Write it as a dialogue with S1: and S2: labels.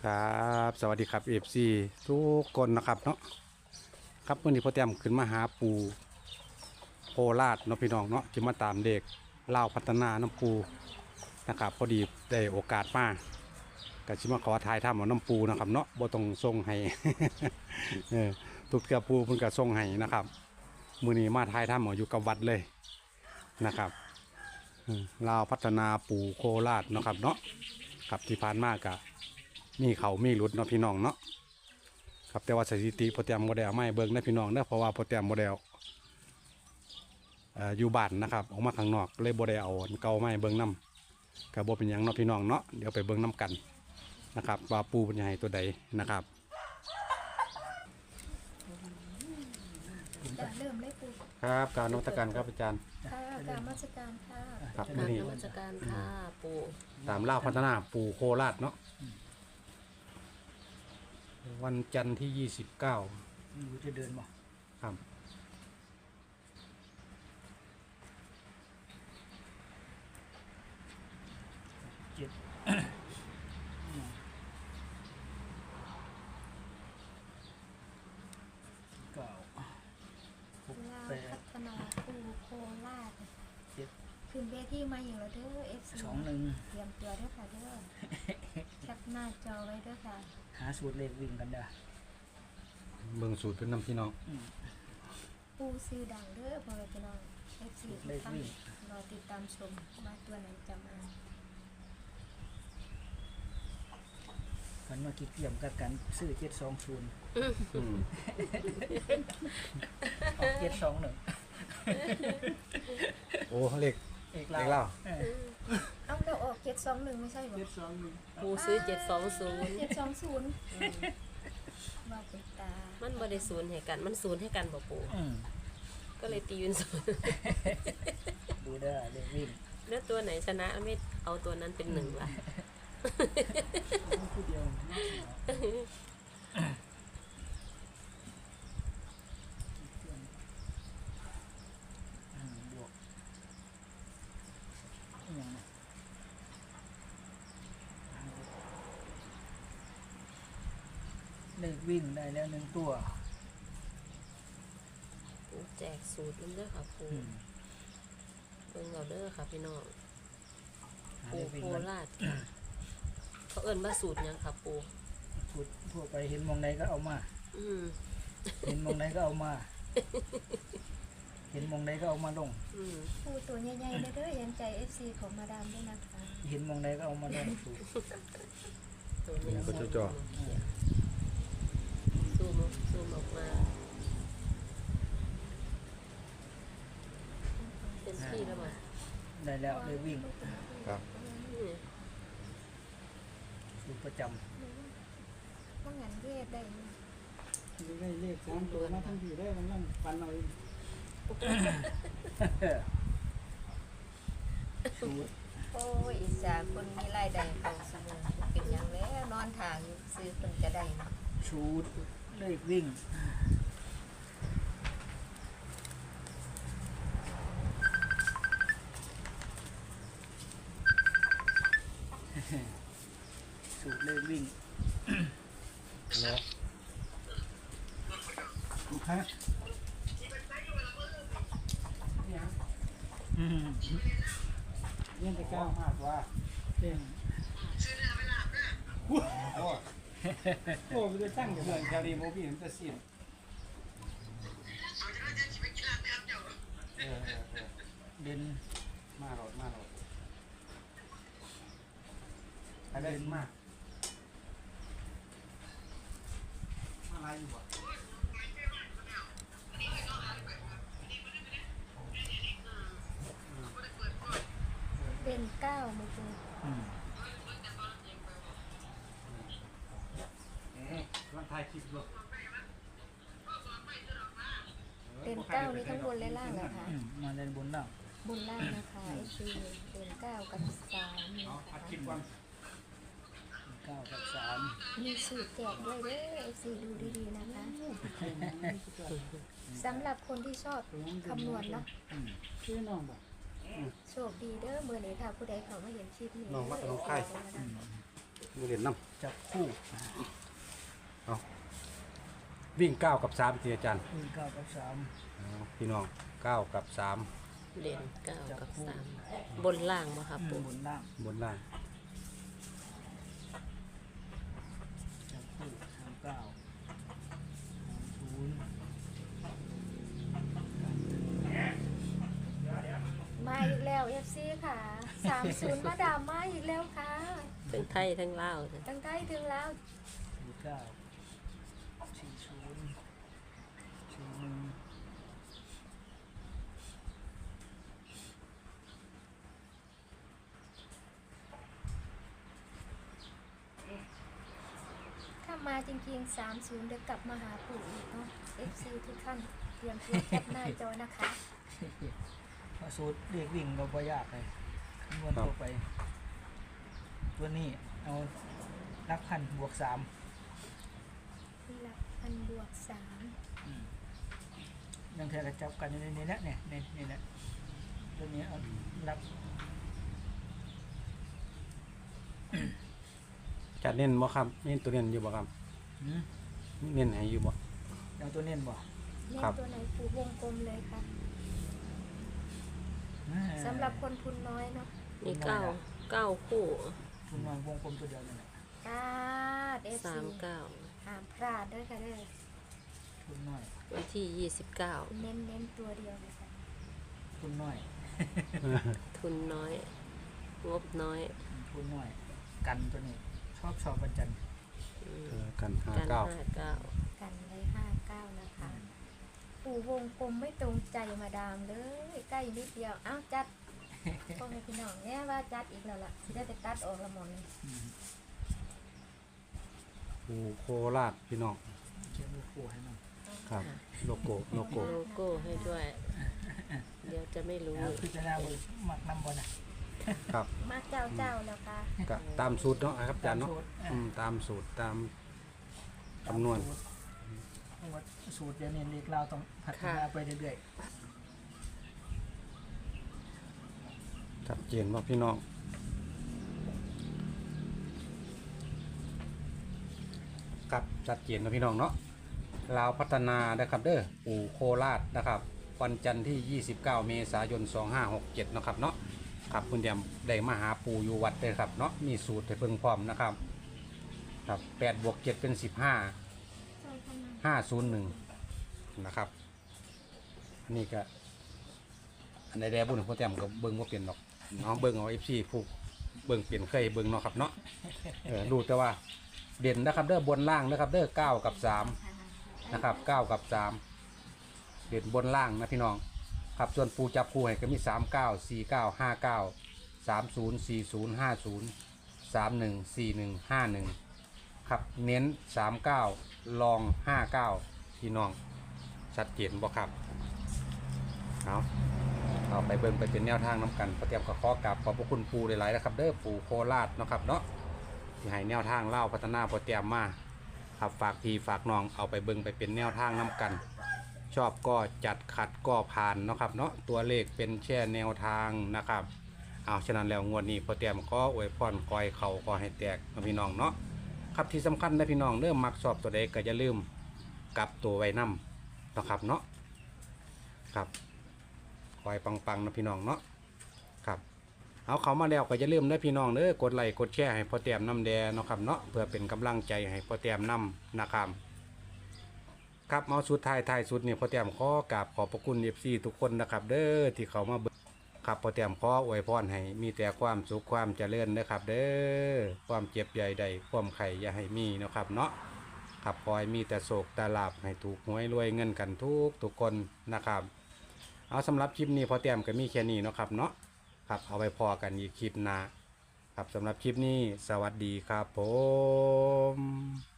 S1: ครับสวัสดีครับFC ทุกคนนะครับเนาะครับวันนี้พ่อแต้มขึ้นมาหาปูโคราชเนาะพี่น้องเนาะจะมาตามเด็กเล่าวพัฒนาน้ำปูนะครับพอดีได้โอกาสมาก็ชิมาขอถ่ายทำเอาน้ำปูนะครับเนาะบ่ต้องส่งให้ ทุกเกือปูเพิ่นก็ส่งให้นะครับมื้อนี้มาถ่ายทำเอาอยู่กับวัดเลยนะครับลาวพัฒนาปูโคราชเนาะครับเนาะครับที่ผ่านมาก็มีเขามีหลุดเนาะพี่น้องเนาะครับแต่ว่าสถิติโปรแกรมโมเดลไม่เบิ่งนะพี่น้องเนาะเพราะว่าโปรแกรมโมเดลอยู่บ้านนะครับออกมาข้างนอกเลยโมเดลเอาเก่าไม่เบิ่งน้ำกับโบเป็นอย่างเนาะพี่น้องเนาะเดี๋ยวไปเบิ่งน้ำกันนะครับว่าปูเป็นยังไงตัวใดนะครับ
S2: เริ่มเลยปู่
S1: ครับการนมัสการครับอาจารย์
S2: ค่ะการมาชการค่ะ
S1: ครับ
S3: กรา
S1: มื้อบ นี้
S3: นมัสการค่ะปู่
S1: ตามเล่าวพัฒนาปูโคราชเนาะวันจันทร์ที่29
S4: อยู่จะเดินบ่
S1: ครับ
S4: เจ็ด เก้าหก
S2: ลาว
S4: แปด
S2: พัฒนาปู่โคราช
S4: เจ็ด
S2: ขึ้นเวทีมาอย่างละเด้อ FC
S4: สองหนึ่ง
S2: เตรียมตัวเด้อค่ะเด้อแคปหน้าจอไว้เด้อค่ะ
S4: หาสูตรเลขวิ่งกันเด้อ
S1: เบิ่งสูตรเป็นน้ำพี่น้อง
S2: ปู่ซื้อดังเด้อพ่อแม่พี่น้อง FC ทุกท่านรอติดตามชมว่าตัวไหนจะมา
S4: มันมาคิดเกี่ยมกับกันซื้อ720ออก721
S1: โอ้เลข
S4: เอก
S1: เลข
S4: ลา
S1: เล่าว
S2: เอ้าเราออก721ไม่ใช่เหรอ
S4: 721
S3: ปู่ซื้อ720
S2: 720ว่าเป็นตา
S3: มันบ่ได้ศูนย์ให้กันมันศูนย์ให้กันบ่ปู่ก็เลยตีเป็นศูนย์
S4: ดูเด้อเลขวิ่ง
S3: แล้วตัวไหนชนะไม่เอาตัวนั้นเป็นหนึ่งล่ะ
S4: ผู้เดียวบวกอย่างนี้เลขวิ่งได้แล้วหนึ่งตัว
S3: ปู่แจกสูตรมันเด้อค่ะปู่เบิ่งเอาเด้อค่ะพี่น้องปู่โคราชค่ะเขาเอิ้นว่าสูตรหยังค่ะปู่
S4: พูดทั่วไปเห็นมองใดก็เอามา
S3: อืม
S4: เห็นมองใดก็เอามา เห็นมองใดก็เอามาลง
S3: อืม
S2: ปู่ตัวใหญ่ๆเด้อยันใจ FC ของมาดามด้วยนะคะ
S4: เห็นมองใดก็เอามาลงสูตร
S3: ตัวนี้
S1: ก็จ่อ
S3: ซูมออกมาเป็นที่แล้วมั้ย
S4: ได้แล้วเลยวิ่ง
S1: ครับ
S4: สูตรประจ
S2: ว่างั้นเวทได้ไหม
S5: ได้เลข3ตัวมาทั้งทีได้มันนั่งฟันเอาเอง
S4: ำสูตร
S2: โอ้ยอิสาคนมีรายได้เข้าเสมอเป็นอย่างแล้วนอนทางอยู่ซื้อคนจะได้เนาะ
S4: สูตรเลขวิ่งสูตรเลขวิ่ง
S1: แล้ว
S5: ฮะ
S4: อืม
S5: เงี้ยจะก้าว
S1: มากว่า
S5: เต้นโอ้มันจะตั้งอยู่
S1: เรื่องแคดีโมบี้มันจะสิ้น
S4: เด่น
S1: มาโหลดอะไรมากอะไรอยู่บ่
S2: เป็นเก้ามือคุณ
S4: อืม
S1: วันถ่ายคลิปด้วย
S2: เป็นเก้านี่ทั้งบนและล่างนะคะ
S4: มาเล่นบนล่าง
S2: บนล่างนะคะไอซีเป็นเก้ากับ3นะ
S1: เอา
S2: คะ
S1: อัดคลิปวัน
S4: 9 กับ
S2: มีสูตรแจกด้วยเด้อไอซีดูดีๆนะคะสำหรับคนที่ชอบคำนวณเนาะ
S5: ชื่อน้องบ่
S2: โชคดีเด้อเมื่อนี้ถ้าผู้ใดเขามาเห็นคลิปนี้
S1: น้องวัดน้องไข่
S4: 3
S1: มือเด่นน้
S4: จับคู่
S1: ำวิ่ง9กับ3ที่อาจารย์
S4: วิ่ง9 กับ
S1: เอาพี่น้อง9กับ3
S3: เด่น9กับ3บนล่างบ่ครับ
S4: 3
S3: ปู
S4: บนล่าง
S1: บนล่าง
S4: จับคู่39
S2: มาอีกแล้ว FC ค่ะ30มาดามมาอีกแล้วค่ะ
S3: ทั้งไทยทั้งลาวจ้ะ
S2: ตั้งใกล้ถึงแล้ว ถ้ามาจริงๆ30เดี๋ยวกลับมาหาปู่อีกเนาะ FC ทุกท่านเตรียมตัวแคปหน้าจอนะคะ
S4: 40สูตรเรียกวิ่งเราบ่ยากเลยคำนวณตัวไป ตัวนี้เอานับพันบวก3
S2: หลักพันบวก3
S4: ยังแทกระจับกันอยู่ในนี้แหละเนี่ยนี่แหละตัวนี้เอานับ
S1: จัดเน้นบ่ครับเน้นตัวเน้นอยู่บ่ครับ
S4: หืม
S1: เน้นให้อยู่บ่
S4: เอาตัวเน้นบ่
S2: เล่น
S1: ครับ
S2: ตัวไหนปู่วงกลมเลยค่ะสำหรับคนทุนน้อยเนาะ
S3: มี9คู่
S4: ทุนน้อยวงกลมตัวเดียวนี่แหละ
S2: กาด FC
S3: 39
S2: ห้ามพลาดด้วยค่ะเด้อ
S4: ทุนน้อย
S3: วันที่29
S2: เน้นตัวเดียวเลยค่ะ
S4: ทุนน้อย
S3: ทุนน้อย งบน้อย
S4: ทุนน้อย กันตัวนี้ชอบวันจันทร์
S1: กัน
S3: กัน
S1: 59
S3: 59
S2: กันเลย59นะคะ ปู่วงกลมไม่ตรงใจมาดามเลยใกล้นิดเดียวอ้าวจัดพ่อแม่พี่น้องเนี่ยว่าจัดอีกแล้วล่ะสิได้ไปตัดออกละหมดเลย
S1: ปูโคราชพี่น้อง
S4: เขียนลูกคู่ให้หน่อย
S1: ครับโลโก้
S3: โลโก้ให้ด้วย เดี๋ยวจะไม่รู้
S4: แล้วพิจารณาบนหมักนำบอลนะครับ
S2: มาเจ้าแล้วค่ะ
S1: ก็ตามสูตรเนาะครับอาจารย์เนาะ
S4: สูตร
S1: ตามสูตรตามคำนวณ
S4: สูตรเดี๋ยวนี้เล็กเราต้องพัฒนาไปเรื่อย
S1: ชัดเจนว่าพี่น้องครับชัดเจนนะพี่น้องเนาะลาวพัฒนานะครับเด้อปู่โคราชนะครับวันจันทร์ที่ 29 เมษายน 2567นะครับเนาะครับคุณเดียมได้มาหาปู่อยู่วัดเลยครับเนาะมีสูตรให้เพิ่งพร้อมนะครับครับ8 บวก 7 เป็น 15 501นะครับอันนี้ก็อันใดๆบุญคุณเดียมก็เบิ่งว่าเปลี่ยนหรอกน้องเบิ่งเอา FC ผู้เบิ่งเปลี่ยนเคยเบิ่งเนาะครับเนาะรู้แต่ว่าเด่นนะครับเด้อบนล่างนะครับเด้อ9 กับ 3นะครับ9 กับ 3เด่นบนล่างนะพี่น้องครับส่วนปูจับคู่ให้ก็มี39 49 59 30 40 50 31 41 51ครับเน้น39ลอง59พี่น้องชัดเจนบ่ครับเอาไปเบิ่งไปเป็นแนวทางน้ำกันประเตรียมกับข้อกราบขอบพระคุณปูหลายๆนะครับเด้อปูโคราชเนาะครับเนาะที่ให้แนวทางเล่าพัฒนาประเตรียมมาครับฝากพี่ฝากน้องเอาไปเบิ่งไปเป็นแนวทางน้ำกัน ชอบก็จัดขัดก็ผ่านเนาะครับเนาะตัวเลขเป็นแค่แนวทางนะครับเอาฉะนั้นแล้วงวดนี้พอเตรียมก็อวยพรกอยเข่าก็ให้แตกนะพี่น้องเนาะครับที่สำคัญนะพี่น้องเริ่มมักชอบตัวใดก็อย่าลืมกลับตัวไว้นำนะครับเนาะครับคอยปังๆนะพี่น้องเนาะครับเอาเขามาแล้วก็อย่าลืมนะพี่น้องเด้อกดไลค์กดแชร์ให้พอเตรียมน้ำแดงเนาะครับเนาะเพื่อเป็นกำลังใจให้พอเตรียมน้ำนะครับครับเอาสุดท้ายสุดนี่พอเตรียมขอกราบขอบพระคุณ FC ทุกคนนะครับเด้อที่เขามาเบิ่งครับพอเตรียมขออวยพรให้มีแต่ความสุขความเจริญนะครับเด้อความเจ็บใหญ่ใดความไข่อย่าให้มีเนาะครับเนาะครับขอให้มีแต่โศกแต่ลาภให้ถูกหวยรวยเงินกันทุกคนนะครับเอาสำหรับคลิปนี้พอเตรียมก็มีแค่นี้เนาะครับเนาะครับเอาไปพอกันอีกคลิปหน้าครับสำหรับคลิปนี้สวัสดีครับผม